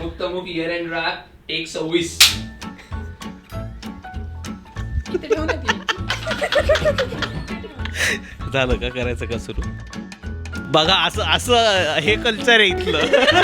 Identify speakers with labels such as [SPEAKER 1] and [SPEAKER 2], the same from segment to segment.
[SPEAKER 1] अमुक year and राग take 26.
[SPEAKER 2] झालं का, करायचं का सुरू? बघा असं असं हे कल्चर आहे इथलं.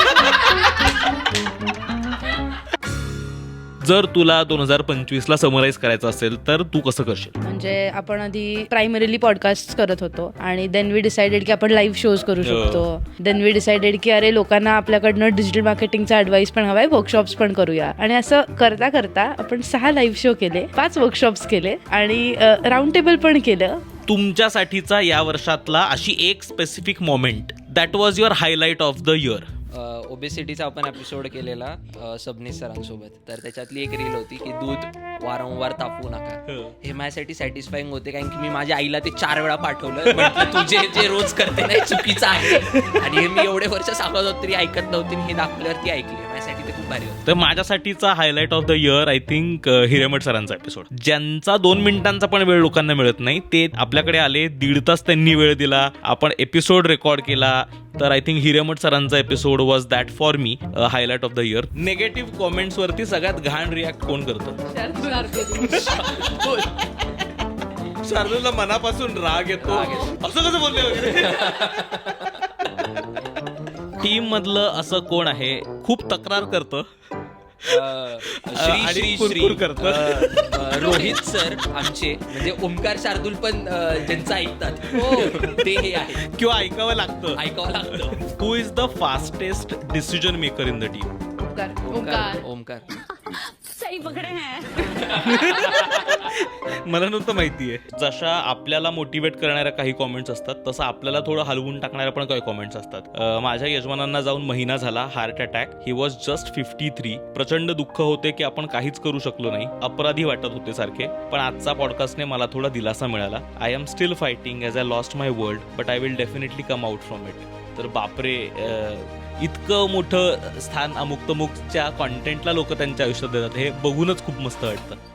[SPEAKER 2] जर तुला 2025 समराईज करायचं असेल तर तू कसं करशील?
[SPEAKER 3] म्हणजे आपण आधी प्रायमरीली पॉडकास्ट करत होतो आणि देन वी डिसाइडेड की आपण लाईव्ह शोज करू शकतो. देन वी डिसाइडेड की अरे लोकांना आपल्याकडनं डिजिटल मार्केटिंगचा ऍडवाइस पण हवाय, वर्कशॉप्स पण करूया. आणि असं करता करता आपण 6 लाईव्ह शो केले, 5 वर्कशॉप्स केले आणि राऊंड टेबल पण केलं.
[SPEAKER 2] तुमच्यासाठीचा या वर्षातला अशी एक specific moment that was your highlight of the year.
[SPEAKER 1] ओबेसिटीचा आपण एपिसोड केलेला सबनीस सरांसोबत, तर त्याच्यातली एक रील होती की दूध वारंवार तापवू नका. हे माझ्यासाठी सॅटिस्फाईंग होते, कारण की मी माझ्या आईला ते 4 वेळा पाठवलं. म्हटलं तुझे जे रोज करते नाही चुकीचं आहे, आणि हे मी एवढे वर्ष सांगत होत तरी ऐकत नव्हती. हे दाखवल्यावर ती ऐकली. माझ्यासाठी ते खूप भारी होतं.
[SPEAKER 2] तर माझ्यासाठीचा highlight of the year I think Hiremath सरांचा एपिसोड, ज्यांचा 2 मिनिटांचा पण वेळ लोकांना मिळत नाही. ते आपल्याकडे आले, 1.5 तास त्यांनी वेळ दिला, आपण एपिसोड रेकॉर्ड केला. तर आय थिंक हिरेमठ सरांचा episode was that for me highlight of the year. Negative comments वरती सगळ्यात घाण रिॲक्ट कोण करतं? शार्दूलला मनापासून राग येतो. असं कसं बोलले वगैरे. टीम मधलं असं कोण आहे खूप तक्रार करतं
[SPEAKER 1] श्री रोहित सर आमचे, म्हणजे ओमकार शार्दूल पण ज्यांचं ऐकतात ते हे आहे
[SPEAKER 2] किंवा ऐकावं लागतं. Who is the fastest decision maker in the team?
[SPEAKER 1] Omkar.
[SPEAKER 3] सही पकडे हैं.
[SPEAKER 2] मला नव्हतं माहितीये. जशा आपल्याला मोटिवेट करणाऱ्या काही कॉमेंट्स असतात, तसं आपल्याला थोडं हलवून टाकणाऱ्या पण काही कॉमेंट्स असतात. माझ्या यजमानांना जाऊन महिना झाला, heart attack. He was just 53. प्रचंड दुःख होते की आपण काहीच करू शकलो नाही, अपराधी वाटत होते सारखे. पण आजचा पॉडकास्टने मला थोडा दिलासा मिळाला. I am still fighting as I lost my world, but I will definitely come out from it. तर बापरे, इतकं मोठं स्थान अमुक तमुकच्या कॉन्टेंटला लोक त्यांच्या आयुष्यात देतात, हे बघूनच खूप मस्त वाटतं.